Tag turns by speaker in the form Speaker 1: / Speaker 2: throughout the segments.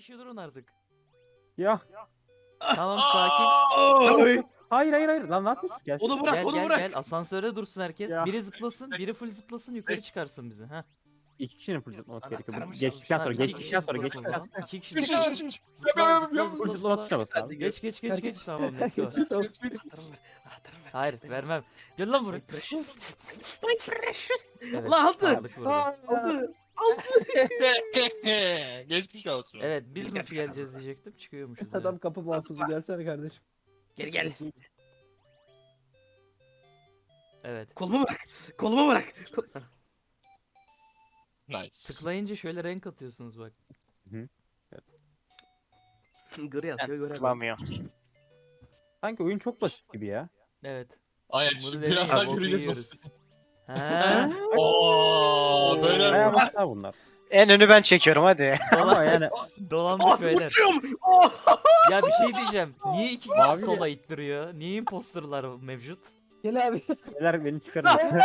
Speaker 1: kişi durun artık.
Speaker 2: Ya.
Speaker 1: Tamam sakin.
Speaker 3: Oy.
Speaker 2: Hayır hayır hayır. Lan ne yapıyorsun? Gel.
Speaker 3: Onu bırak,
Speaker 1: Gel
Speaker 3: onu
Speaker 1: gel
Speaker 3: bırak.
Speaker 1: gel asansöre dursun herkes.
Speaker 2: Ya.
Speaker 1: Biri zıplasın, biri full zıplasın yukarı çıkarsın bizi. Ha.
Speaker 2: İki kişinin full zıplaması
Speaker 3: Anahtarı
Speaker 2: gerekiyor.
Speaker 3: mı
Speaker 2: Geçtikten
Speaker 1: Tamam,
Speaker 2: sonra
Speaker 1: iki kişi
Speaker 2: geçtikten sonra
Speaker 1: zıplasın o
Speaker 2: geçtikten
Speaker 1: zaman.
Speaker 2: sonra.
Speaker 1: İki kişi
Speaker 4: Üç,
Speaker 1: zıplasın.
Speaker 4: üç, üç.
Speaker 1: Zıpla zıpla
Speaker 2: Full
Speaker 1: zıpla
Speaker 2: zıplama
Speaker 1: zıpla.
Speaker 2: tuşuna bas abi.
Speaker 1: Geç geç geç geç.
Speaker 5: Herkes-
Speaker 1: Tamam let's go.
Speaker 5: Herkes-
Speaker 3: Anahtarımı ver. Anahtarımı ver.
Speaker 1: Hayır vermem. Gel lan buraya.
Speaker 3: My precious.
Speaker 1: Evet,
Speaker 3: Lan aldı.
Speaker 1: aldık burada.
Speaker 3: Aldı.
Speaker 4: Geçmiş olsun.
Speaker 1: Evet biz nasıl geleceğiz diyecektim. Çıkıyormuşuz.
Speaker 5: Adam
Speaker 1: ya.
Speaker 5: kapı muhafızı gelsene kardeşim.
Speaker 3: Gel.
Speaker 1: Evet.
Speaker 3: Kolumu bırak. Kolumu bırak.
Speaker 4: Nice.
Speaker 1: Tıklayınca şöyle renk atıyorsunuz bak.
Speaker 3: Gri atıyor, gri atıyor.
Speaker 6: Tıklamıyor.
Speaker 2: Sanki oyun çok basit gibi ya.
Speaker 1: Evet.
Speaker 4: Aynen
Speaker 1: Bunu
Speaker 4: şimdi
Speaker 1: deneyin,
Speaker 4: birazdan
Speaker 1: boku
Speaker 4: göreceğiz
Speaker 1: yiyoruz.
Speaker 4: basit.
Speaker 1: Ha.
Speaker 4: Ooo böyle
Speaker 2: Bayağı başlar bunlar.
Speaker 6: En önü ben çekiyorum hadi.
Speaker 2: Ama yani
Speaker 1: Dolandık
Speaker 3: Oh,
Speaker 1: beyler.
Speaker 3: uçuyorum. Oh.
Speaker 1: Ya bir şey diyeceğim. Niye iki kişi
Speaker 2: Mavi
Speaker 1: sola ittiriyor? Niye imposterlar mevcut?
Speaker 5: Gel abi.
Speaker 2: neler beni çıkarın.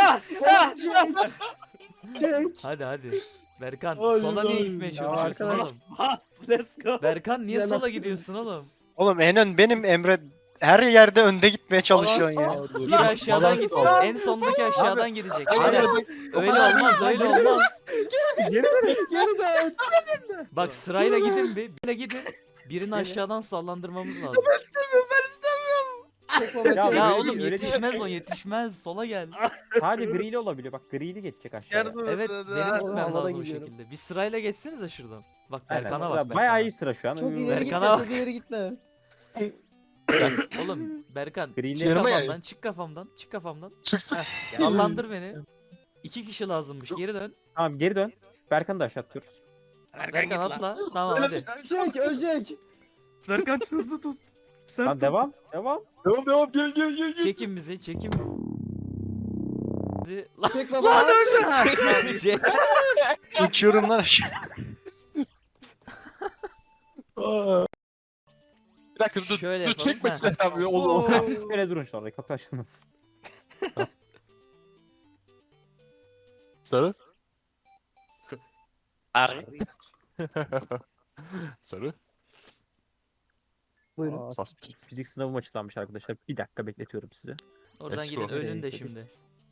Speaker 5: Çek.
Speaker 1: Hadi hadi. Berkan
Speaker 5: Hadi,
Speaker 1: sola niye
Speaker 5: hadi.
Speaker 1: gitmeye
Speaker 2: Ya
Speaker 1: çalışıyorsun
Speaker 2: arkadaş.
Speaker 1: oğlum?
Speaker 3: Bas. Let's go.
Speaker 1: Berkan niye
Speaker 5: Gel
Speaker 1: sola
Speaker 5: lan.
Speaker 1: gidiyorsun oğlum?
Speaker 6: Oğlum en ön benim Emre. Her yerde önde gitmeye çalışıyorsun ya.
Speaker 1: Bir aşağıdan
Speaker 2: Balans
Speaker 1: gitsin.
Speaker 2: ol.
Speaker 1: En sondaki aşağıdan gidecek. Aynen. Öyle olmaz öyle olmaz.
Speaker 2: Geri dön.
Speaker 5: Geri dön.
Speaker 1: Bak sırayla gidin bir. Birine gidin. Birini aşağıdan sallandırmamız lazım.
Speaker 3: Ben istemiyorum.
Speaker 5: Çek baba,
Speaker 2: Ya,
Speaker 5: çek.
Speaker 1: Ya
Speaker 2: öyle
Speaker 1: oğlum
Speaker 2: değil, öyle
Speaker 1: yetişmez o yetişmez. Sola gel.
Speaker 2: Sadece grili olabiliyor. Bak grili geçecek aşağıya.
Speaker 3: Yardım
Speaker 1: Evet
Speaker 3: et.
Speaker 1: benim
Speaker 5: Oğlum,
Speaker 1: gitmem
Speaker 5: havada
Speaker 1: lazım o
Speaker 5: gidiyorum.
Speaker 1: şekilde. Bir sırayla geçsenize şuradan. Bak
Speaker 2: Aynen,
Speaker 1: Berkan'a
Speaker 2: sıra
Speaker 1: bak.
Speaker 2: bayağı
Speaker 1: Berkan'a.
Speaker 2: iyi sıra şu an.
Speaker 5: Çok ileri
Speaker 1: Berkan'a
Speaker 5: gitme,
Speaker 1: bak.
Speaker 5: çok ileri gitme.
Speaker 1: Oğlum Berkan
Speaker 2: Green'e
Speaker 1: çık
Speaker 4: yarıma
Speaker 1: kafamdan
Speaker 4: yani.
Speaker 1: çık kafamdan çık kafamdan.
Speaker 4: çıksın.
Speaker 1: Heh, sallandır beni. İki kişi lazımmış geri dön.
Speaker 2: Tamam geri dön. Berkan'ı da aşağı atıyoruz.
Speaker 3: Berkan git
Speaker 1: Berkan
Speaker 3: lan.
Speaker 1: atla. Tamam hadi.
Speaker 5: Ölecek, ölecek.
Speaker 3: Berkan hızlı tut. Sert
Speaker 2: Tamam
Speaker 3: tut.
Speaker 2: devam. Devam.
Speaker 4: Devam gel.
Speaker 1: Çekin bizi çekin. Bizi. Lan
Speaker 5: Çek baba.
Speaker 1: çek beni çek.
Speaker 6: Uçuyorum lan aşağı.
Speaker 4: Bir dakika dur.
Speaker 1: Şöyle
Speaker 4: Dur
Speaker 1: yapalım,
Speaker 4: çek bakayım.
Speaker 1: ha.
Speaker 4: Abi olur.
Speaker 2: Şöyle durun şu anda. Kapı açılmasın.
Speaker 4: Sarı.
Speaker 6: Arı.
Speaker 4: Sarı.
Speaker 5: Buyurun.
Speaker 4: Sas.
Speaker 2: Fizik sınavım açıklanmış arkadaşlar. Bir dakika bekletiyorum sizi.
Speaker 1: Oradan
Speaker 4: Let's
Speaker 1: gidin
Speaker 4: go.
Speaker 1: ölün de şimdi.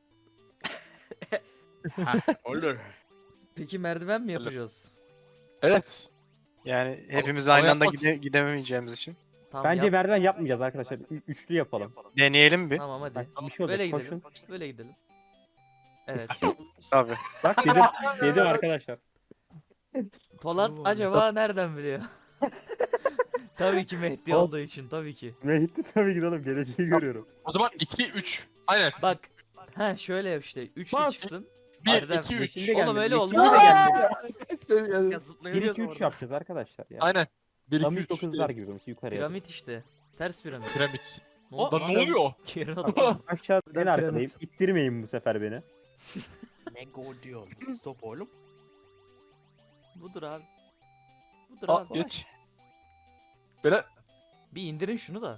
Speaker 3: Olur.
Speaker 1: Peki merdiven mi yapacağız?
Speaker 4: Evet.
Speaker 6: Yani hepimiz
Speaker 4: Ama
Speaker 6: aynı anda
Speaker 4: yapmak-
Speaker 6: gidemeyeceğimiz için.
Speaker 1: Tamam
Speaker 2: Bence
Speaker 1: yap.
Speaker 2: merdiven yapmayacağız arkadaşlar. Üçlü yapalım.
Speaker 6: Deneyelim bir.
Speaker 1: Tamam hadi.
Speaker 2: Bak bir şey
Speaker 1: Böyle
Speaker 2: olacak.
Speaker 1: gidelim.
Speaker 2: Koşun.
Speaker 1: Böyle gidelim. Evet.
Speaker 6: Tabii.
Speaker 2: Bak dedim. Dedim arkadaşlar.
Speaker 1: Polat acaba nereden biliyor? Tabii ki Mehdi olduğu için tabii ki.
Speaker 2: Mehdi tabii ki oğlum. Geleceği görüyorum.
Speaker 4: O zaman 2 3. Aynen.
Speaker 1: Bak. Ha şöyle yap işte. 3
Speaker 5: Bas.
Speaker 1: çıksın.
Speaker 4: 1
Speaker 1: Erdem.
Speaker 4: 2 3.
Speaker 2: Yeşilde
Speaker 1: Oğlum
Speaker 2: gelmedi,
Speaker 1: öyle
Speaker 2: yeşilde
Speaker 1: olmaz.
Speaker 2: gelmedi.
Speaker 3: Ya
Speaker 2: 1
Speaker 3: zıplayabiliyoruz
Speaker 2: 2 3
Speaker 3: orada.
Speaker 2: yapacağız arkadaşlar ya.
Speaker 4: Aynen. 1 2
Speaker 2: Tam
Speaker 4: 3.
Speaker 2: ilk kızlar gibi böyle yukarıya.
Speaker 1: Piramit işte. Ters piramit.
Speaker 4: Piramit.
Speaker 1: Ne oldu?
Speaker 4: Lan ne oluyor?
Speaker 1: Geri atla.
Speaker 2: Aşağı en
Speaker 5: Piramit.
Speaker 2: arkadayım. İttirmeyin bu sefer beni.
Speaker 3: Ne gol diyor. Stop oğlum.
Speaker 1: Budur abi. Budur
Speaker 4: Aa
Speaker 1: abi.
Speaker 4: geç. Böyle
Speaker 1: Bir indirin şunu da.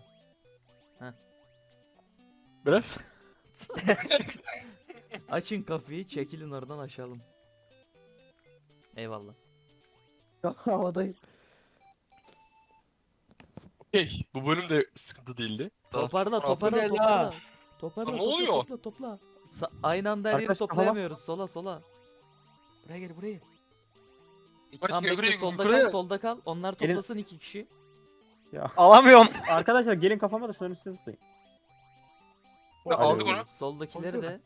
Speaker 4: böyle.
Speaker 1: Açın kapıyı çekilin oradan aşalım. Eyvallah.
Speaker 5: Havadayım.
Speaker 4: Okey. Bu bölüm de sıkıntı değildi.
Speaker 1: Toparla
Speaker 4: Aa,
Speaker 1: toparla
Speaker 3: bu ne
Speaker 1: toparla.
Speaker 3: la?
Speaker 1: Toparla
Speaker 4: Ne
Speaker 1: topla,
Speaker 4: oluyor?
Speaker 1: topla topla. Aynı anda her yeri
Speaker 2: Arkadaşlar,
Speaker 1: toplayamıyoruz. Sola sola.
Speaker 3: Buraya gel buraya.
Speaker 4: Yukarı
Speaker 1: Tamam
Speaker 4: çık
Speaker 1: bekle
Speaker 4: yukarı
Speaker 1: solda
Speaker 4: yukarı.
Speaker 1: kal solda kal. Onlar
Speaker 2: Gelin.
Speaker 1: toplasın iki kişi.
Speaker 6: Alamıyorum.
Speaker 2: Arkadaşlar gelin kafama da şunların üstüne zıplayın.
Speaker 4: Ya, aldık onu.
Speaker 1: Soldakileri de.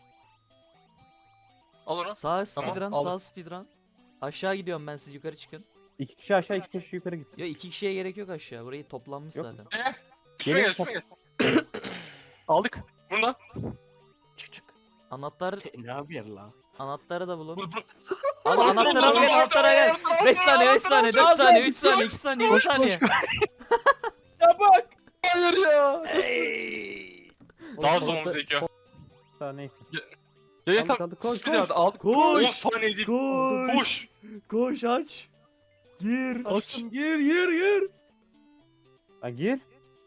Speaker 4: Al onu.
Speaker 1: Sağ speedrun
Speaker 4: aldım.
Speaker 1: sağ speedrun. Aşağı gidiyorum ben siz yukarı çıkın.
Speaker 2: 2 kişi aşağı 2 kişi yukarı gitsin.
Speaker 1: Ya iki kişiye gerek yok aşağı. Burayı toplanmış
Speaker 2: Yok.
Speaker 1: zaten.
Speaker 4: Üstüme
Speaker 2: Gelin
Speaker 4: gel üstüme gel. Aldık. Bundan.
Speaker 3: Çık.
Speaker 1: Anahtar
Speaker 3: Ne yapıyor la?
Speaker 1: anahtarı da bulun.
Speaker 4: Bu.
Speaker 1: Al anahtara gel anahtara gel. 5 saniye 5 saniye 4 saniye 3 saniye 2 saniye 1 saniye.
Speaker 3: Çabuk.
Speaker 5: Hayır ya.
Speaker 3: Hey.
Speaker 4: Daha zorumuz gerekiyor.
Speaker 2: Daha neyse.
Speaker 4: Gel
Speaker 5: Aldık,
Speaker 4: tam.
Speaker 5: aldık. Koş,
Speaker 4: Speed
Speaker 5: koş.
Speaker 4: hadi aldık.
Speaker 1: Koş.
Speaker 4: 10 saniye değil.
Speaker 1: Koş.
Speaker 4: Koş.
Speaker 1: Koş aç. Gir.
Speaker 3: Açtım gir.
Speaker 2: Lan gir.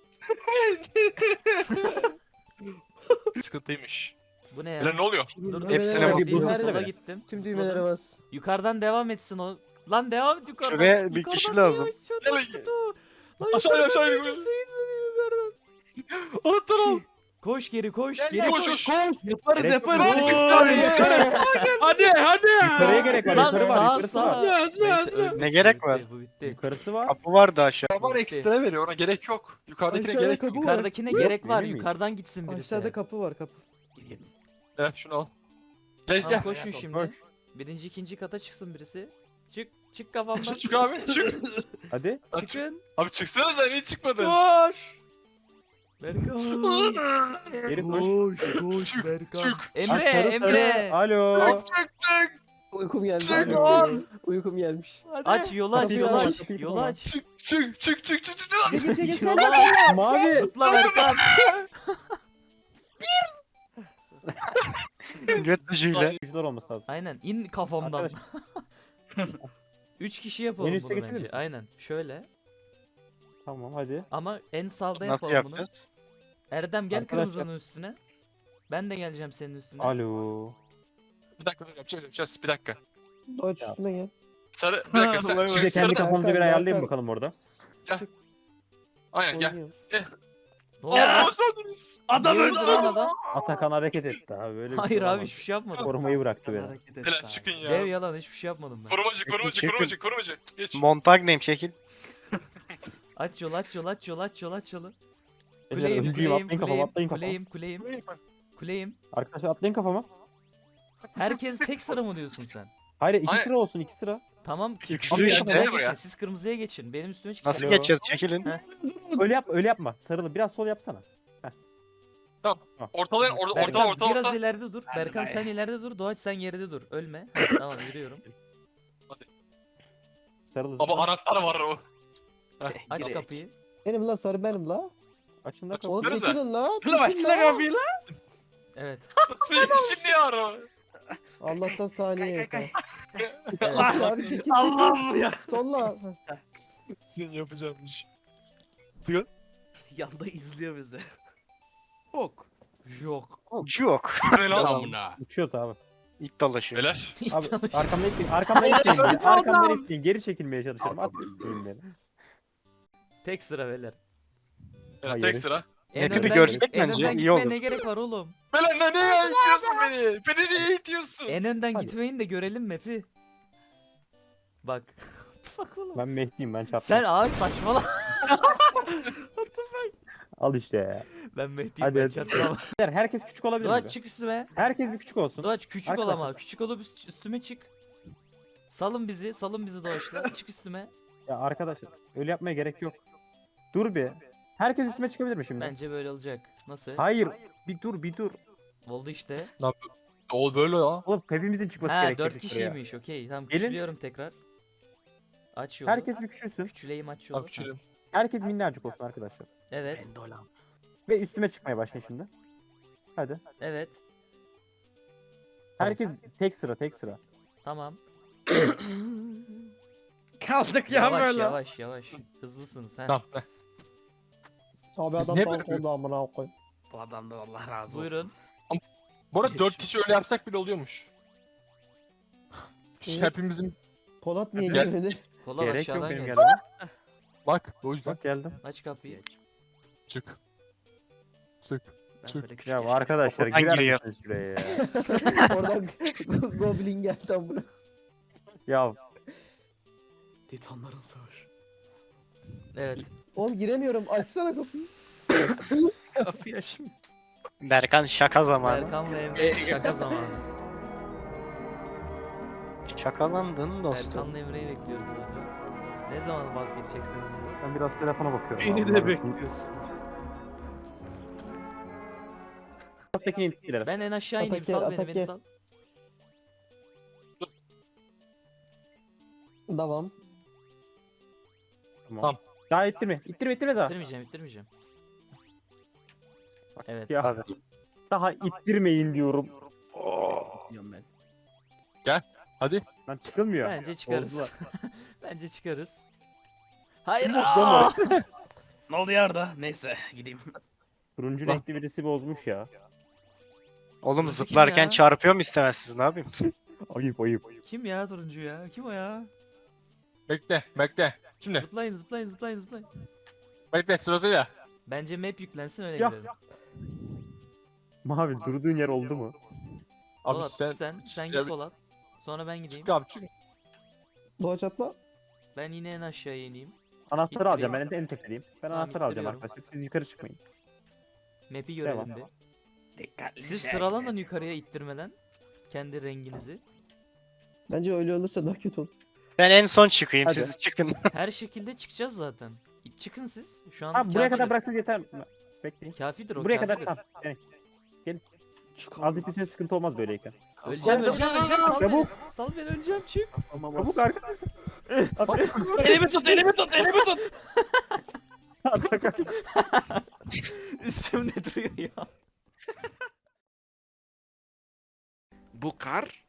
Speaker 4: Sıkıntıymış.
Speaker 1: Bu ne ya?
Speaker 4: Beyler ne oluyor?
Speaker 1: Dur dur.
Speaker 6: Hepsine
Speaker 1: sola
Speaker 6: bas.
Speaker 1: gittim,
Speaker 2: Düğmelere
Speaker 1: sola
Speaker 2: bas.
Speaker 1: gittim.
Speaker 5: Tüm
Speaker 1: zıpladım.
Speaker 5: düğmelere bas.
Speaker 1: Yukarıdan devam etsin o Lan devam et yukarıdan.
Speaker 6: Şuraya bir
Speaker 1: Yukarıdan
Speaker 6: kişi
Speaker 1: devam
Speaker 6: lazım.
Speaker 1: et, şuradan
Speaker 4: Nereye?
Speaker 1: tut o. Lan
Speaker 4: Aşağı,
Speaker 1: yukarıdan
Speaker 4: aşağı,
Speaker 1: bir
Speaker 4: yukarı.
Speaker 1: kimse gitmedi yukarıdan.
Speaker 4: Anahtar al.
Speaker 1: Koş geri koş.
Speaker 4: Gel,
Speaker 1: Geri
Speaker 4: gel,
Speaker 1: koş.
Speaker 4: koş.
Speaker 3: Yaparız
Speaker 2: Gerek
Speaker 3: yaparız.
Speaker 2: yok.
Speaker 3: İki saniye yaparız. Hadi hadi.
Speaker 2: Yukarıya gerek var.
Speaker 1: Lan
Speaker 2: Yukarı var.
Speaker 1: sağ
Speaker 2: Yukarısı
Speaker 1: sağ.
Speaker 2: var.
Speaker 3: Hadi,
Speaker 1: Neyse,
Speaker 3: hadi.
Speaker 1: öldük,
Speaker 6: Ne
Speaker 1: bu
Speaker 6: gerek
Speaker 1: bitti,
Speaker 6: var?
Speaker 1: Bu bitti.
Speaker 2: Yukarısı var.
Speaker 6: Kapı vardı aşağı.
Speaker 4: Var ekstra veriyor ona gerek yok. Yukarıdakine
Speaker 5: Aşağıda
Speaker 4: gerek yok.
Speaker 5: kapı var.
Speaker 1: Yukarıdakine
Speaker 2: Yok,
Speaker 1: gerek var.
Speaker 2: verir miyiz?
Speaker 1: Yukarıdan gitsin birisi.
Speaker 5: Aşağıda kapı var kapı.
Speaker 4: Gel şunu al. Gel
Speaker 1: Tamam,
Speaker 4: gel.
Speaker 1: koşun şimdi.
Speaker 2: Koş.
Speaker 1: Birinci ikinci kata çıksın birisi. Çık. Çık kafamdan.
Speaker 4: Çık abi çık.
Speaker 2: Hadi.
Speaker 1: Çıkın.
Speaker 4: Abi çıksanıza niye çıkmadın?
Speaker 3: Koş.
Speaker 1: Berkan.
Speaker 2: Geri koş.
Speaker 1: Koş Berkan.
Speaker 4: Çık.
Speaker 2: Lan
Speaker 1: Emre,
Speaker 2: sarı,
Speaker 1: Emre.
Speaker 2: sarı. Alo.
Speaker 5: Uykum geldi.
Speaker 3: Çık
Speaker 5: Hadi.
Speaker 3: lan.
Speaker 5: Uykum gelmiş.
Speaker 3: Hadi.
Speaker 1: Aç yolu aç
Speaker 2: Kapıyı
Speaker 1: yolu
Speaker 2: kapat,
Speaker 1: aç.
Speaker 2: kapıyı
Speaker 1: Yolu
Speaker 2: kapat.
Speaker 1: aç.
Speaker 4: Çık.
Speaker 5: Çekil çekil.
Speaker 1: Yolu aç.
Speaker 2: Mavi.
Speaker 1: Zıpla Berkan.
Speaker 6: Göt ucuyla.
Speaker 2: Güçler olması lazım.
Speaker 1: Aynen in kafamdan.
Speaker 2: Arkadaş.
Speaker 1: 3 kişi yapalım
Speaker 2: En üste
Speaker 1: bunu
Speaker 2: geçebilir
Speaker 1: bence.
Speaker 2: misin?
Speaker 1: Aynen. Şöyle.
Speaker 2: Tamam hadi.
Speaker 1: Ama en sağda
Speaker 6: Nasıl
Speaker 1: yapalım bunu.
Speaker 6: yapacağız?
Speaker 1: Erdem gel
Speaker 2: Arkadaşlar.
Speaker 1: kırmızının üstüne. Ben de geleceğim senin üstüne.
Speaker 2: Alo.
Speaker 4: Bir dakika dur yapacağız bir dakika.
Speaker 5: Doğaç üstüme gel.
Speaker 4: Sarı bir dakika sen
Speaker 3: Vallahi
Speaker 2: Bir de
Speaker 4: çık
Speaker 2: kendi
Speaker 4: sarı.
Speaker 2: kafamıza
Speaker 5: Berkan,
Speaker 2: göre ayarlayayım
Speaker 5: Berkan.
Speaker 2: bakalım orada.
Speaker 4: Aynen gel.
Speaker 5: Oynuyorum.
Speaker 1: Ne oldu?
Speaker 4: Aa sordunuz.
Speaker 3: Adam
Speaker 1: Niye
Speaker 3: öldü.
Speaker 1: öldü lan adam?
Speaker 2: Atakan hareket etti abi. Böyle bir
Speaker 1: Hayır
Speaker 2: şey
Speaker 1: abi
Speaker 2: olamaz.
Speaker 1: hiçbir şey yapmadım.
Speaker 2: Korumayı bıraktı beni.
Speaker 3: Hareket et
Speaker 4: Helal
Speaker 3: abi.
Speaker 4: çıkın
Speaker 1: Dev
Speaker 4: ya.
Speaker 1: yalan hiçbir şey yapmadım ben.
Speaker 4: Korumacı. Geç.
Speaker 6: Montagneyim çekil.
Speaker 1: Aç yolu aç yolu aç yolu aç yolu aç yolu.
Speaker 2: Beyler, öncüyüm, atlayın kafama, atlayın kafama.
Speaker 1: Kuleyim.
Speaker 2: Arkadaşlar atlayın kafama.
Speaker 1: Herkes tek sıra mı diyorsun sen?
Speaker 2: Hayır iki
Speaker 4: Hayır.
Speaker 2: sıra olsun iki sıra.
Speaker 1: Tamam.
Speaker 6: Üçlü
Speaker 1: Kırmızıya
Speaker 6: işte.
Speaker 1: geçin. Siz kırmızıya geçin. Benim üstüme çıkın.
Speaker 6: Nasıl
Speaker 2: Alo.
Speaker 6: geçeceğiz çekilin.
Speaker 2: Öyle yapma sarılı biraz sol yapsana.
Speaker 4: Ortalayın
Speaker 1: Berkan
Speaker 4: orta.
Speaker 1: biraz ileride dur.
Speaker 3: Hadi
Speaker 1: Berkan
Speaker 3: be.
Speaker 1: sen ileride dur. Doğaç sen geride dur. Ölme. Tamam yürüyorum.
Speaker 2: Sarılı.
Speaker 4: Ama anahtar var o.
Speaker 1: Aç
Speaker 3: Girek.
Speaker 1: kapıyı.
Speaker 5: Benim la sarı benim la.
Speaker 2: Açın da
Speaker 4: Aç.
Speaker 2: kapıyı.
Speaker 5: Oğlum
Speaker 4: Sarı
Speaker 5: çekilin la.
Speaker 3: Ulan
Speaker 5: Çekil
Speaker 3: açsana
Speaker 5: la.
Speaker 3: kapıyı lan.
Speaker 1: Evet.
Speaker 4: Şimdi ya o.
Speaker 5: Allah'tan saniye yok. ha.
Speaker 1: Evet.
Speaker 5: Çekil abi çekil çekil.
Speaker 3: Allah'ım ya.
Speaker 5: Solla.
Speaker 4: Senin yapacağın iş.
Speaker 3: Yanda izliyor bizi. Ok.
Speaker 1: Yok.
Speaker 6: Yok.
Speaker 4: Ne lan?
Speaker 2: Uçuyoruz abi.
Speaker 6: İlk dolaşıyor.
Speaker 4: Beyler.
Speaker 2: Abi arkamda itmeyin. Arkamdan itmeyin beni. Arkamdan itmeyin. Geri çekilmeye çalışıyorum. Atmayın beni.
Speaker 1: Tek sıra beyler.
Speaker 4: Beyler
Speaker 2: Hayır.
Speaker 4: tek sıra.
Speaker 1: En
Speaker 6: Map'i bir
Speaker 1: önden-
Speaker 6: görsek
Speaker 1: en
Speaker 6: bence
Speaker 1: önden
Speaker 6: iyi
Speaker 1: gitmeye
Speaker 6: olur.
Speaker 1: ne gerek var oğlum?
Speaker 4: Beyler niye itiyorsun beni? Beni niye itiyorsun?
Speaker 1: En önden
Speaker 2: Hadi.
Speaker 1: gitmeyin de görelim map'i. Bak. Bak oğlum.
Speaker 2: Ben Mehdi'yim ben çarptım.
Speaker 1: Sen abi saçmalama.
Speaker 2: Al işte ya.
Speaker 1: Ben Mehdi'yim
Speaker 2: Hadi,
Speaker 1: ben
Speaker 2: hadi.
Speaker 1: çarpmam.
Speaker 2: Beyler, herkes küçük olabilir mi?
Speaker 1: Doğaç çık üstüme.
Speaker 2: Herkes bir küçük olsun.
Speaker 1: Doğaç küçük ol
Speaker 2: Arkadaşlar.
Speaker 1: ama. Küçük olup üstüme çık. Salın bizi Doğaç'la. Çık üstüme.
Speaker 2: Ya arkadaşlar öyle yapmaya gerek yok. Dur bir. Herkes üstüme çıkabilir mi şimdi?
Speaker 1: Bence böyle olacak. Nasıl?
Speaker 2: Hayır. Bir dur.
Speaker 1: Oldu işte.
Speaker 4: O böyle ya.
Speaker 2: Oğlum hepimizin çıkması
Speaker 1: Ha
Speaker 2: gerekiyor
Speaker 1: 4
Speaker 2: bir sıraya.
Speaker 1: kişiymiş. Okey. Tamam
Speaker 2: Gelin.
Speaker 1: küçülüyorum tekrar. Aç yolu.
Speaker 2: Herkes bir küçülsün.
Speaker 1: Küçüleyim aç yolu.
Speaker 4: Abi küçülelim.
Speaker 2: Herkes minnacık olsun arkadaşlar.
Speaker 1: Evet.
Speaker 3: Endolam.
Speaker 2: Ve üstüme çıkmaya başlayın şimdi. Hadi.
Speaker 1: Evet.
Speaker 2: Herkes tek sıra.
Speaker 1: Tamam.
Speaker 3: Kaldık ya
Speaker 1: Yavaş
Speaker 3: böyle.
Speaker 1: yavaş. Hızlısınız ha.
Speaker 4: Tamam. heh.
Speaker 5: Abi
Speaker 4: Biz
Speaker 5: adam
Speaker 4: ne
Speaker 5: tank
Speaker 4: böyle-
Speaker 5: oldu amına koyayım.
Speaker 3: Bu adamdan Allah razı olsun.
Speaker 1: Buyurun.
Speaker 4: Bu arada 4 kişi öyle yapsak bile oluyormuş.
Speaker 5: İyi.
Speaker 4: Hepimizin
Speaker 5: Polat niye
Speaker 4: Gel.
Speaker 5: gelmedi?
Speaker 1: Kola
Speaker 2: Gerek yok
Speaker 1: aşağıdan
Speaker 2: benim
Speaker 1: gel.
Speaker 2: gelmeme.
Speaker 4: bak o yüzden
Speaker 2: Bak geldim.
Speaker 1: Aç kapıyı.
Speaker 4: çık. Çık.
Speaker 3: Ben
Speaker 4: Çık.
Speaker 3: böyle küçük
Speaker 2: Ya
Speaker 3: yaşta-
Speaker 2: arkadaşlar
Speaker 6: Kapıdan
Speaker 2: girer
Speaker 6: giriyor.
Speaker 2: misiniz şuraya ya?
Speaker 5: Oradan Goblin geldi amına.
Speaker 2: Ya
Speaker 3: Titanların savaşı.
Speaker 1: Evet.
Speaker 5: Oğlum giremiyorum. Açsana kapıyı.
Speaker 3: Kapıyı açmıyor.
Speaker 6: Berkan şaka zamanı.
Speaker 1: Berkan ve Emre şaka zamanı.
Speaker 6: Şakalandın dostum.
Speaker 1: Berkan'la Emre'yi bekliyoruz zaten. Ne zaman vazgeçeceksiniz bundan?
Speaker 2: ben biraz telefona bakıyorum.
Speaker 3: Beni
Speaker 2: Allah'ım.
Speaker 3: de bekliyorsunuz.
Speaker 2: Alttaki intikler.
Speaker 1: Ben en aşağı ineyim.
Speaker 5: Atak gel,
Speaker 1: Sal beni
Speaker 5: atak
Speaker 1: beni
Speaker 5: gel.
Speaker 1: sal.
Speaker 5: Devam.
Speaker 2: Tamam. Daha ittirme daha.
Speaker 1: İttirmeyeceğim. Evet.
Speaker 2: Ya
Speaker 6: Abi.
Speaker 2: daha ittirmeyin diyorum.
Speaker 3: Diyorum ben.
Speaker 4: Hadi.
Speaker 2: Lan çıkılmıyor.
Speaker 1: Bence çıkarız.
Speaker 2: Bozdular.
Speaker 1: Bence çıkarız. Hayır.
Speaker 2: Son
Speaker 1: aa!
Speaker 2: var.
Speaker 3: Ne oldu yarda? Neyse gideyim.
Speaker 2: Turuncu
Speaker 4: Bak.
Speaker 2: renkli birisi bozmuş ya.
Speaker 6: Oğlum
Speaker 1: Turuncu kim
Speaker 6: zıplarken
Speaker 1: ya?
Speaker 6: çarpıyor mu istemezsiniz ne yapayım?
Speaker 2: Ayıp.
Speaker 1: Kim ya turuncu ya? Kim o ya?
Speaker 4: Bekle, bekle. Şimdi,
Speaker 1: Zıplayın zıplayın zıplayın zıplayın.
Speaker 4: bekle sırasıyla.
Speaker 1: Bence map yüklensin öyle
Speaker 2: Ya.
Speaker 1: gidelim.
Speaker 2: Mavi durduğun yer oldu mu?
Speaker 4: Abi
Speaker 1: Polat sen
Speaker 4: Ya
Speaker 1: git Polat. Sonra ben gideyim.
Speaker 4: çık abi çık.
Speaker 5: Doğaç atla.
Speaker 1: Ben yine en aşağıya ineyim.
Speaker 2: Anahtarı alacağım. Ben
Speaker 1: İttireyim.
Speaker 2: en tepedeyim. Ben
Speaker 1: Tamam,
Speaker 2: anahtarı alacağım
Speaker 1: ittiriyorum.
Speaker 2: arkadaşlar. Siz yukarı çıkmayın.
Speaker 1: Map'i görelim
Speaker 2: Devam.
Speaker 1: bir.
Speaker 3: Dikkatli
Speaker 1: Siz
Speaker 3: şey.
Speaker 1: sıralanın yukarıya ittirmeden. Kendi renginizi.
Speaker 5: Bence öyle olursa daha kötü olur.
Speaker 6: Ben en son çıkayım
Speaker 2: Hadi.
Speaker 6: siz çıkın.
Speaker 1: Her şekilde çıkacağız zaten. Çıkın siz. Şu an
Speaker 2: Ha buraya
Speaker 1: kafidir.
Speaker 2: kadar bıraksanız yeter. Bekleyin.
Speaker 1: Kafidir o
Speaker 2: Buraya kadar
Speaker 1: kafidir.
Speaker 2: tamam. Yani
Speaker 3: Çık
Speaker 2: az bir sıkıntı olmaz böyleyken.
Speaker 1: Öleceğim öleceğim sal
Speaker 2: Çabuk.
Speaker 1: beni. Sal beni öleceğim çık.
Speaker 2: Çabuk arkadaşlar.
Speaker 3: Elimi tut, elimi tut, elimi tut.
Speaker 2: Atakan.
Speaker 1: Üstümde duruyor ya.
Speaker 3: Bu kar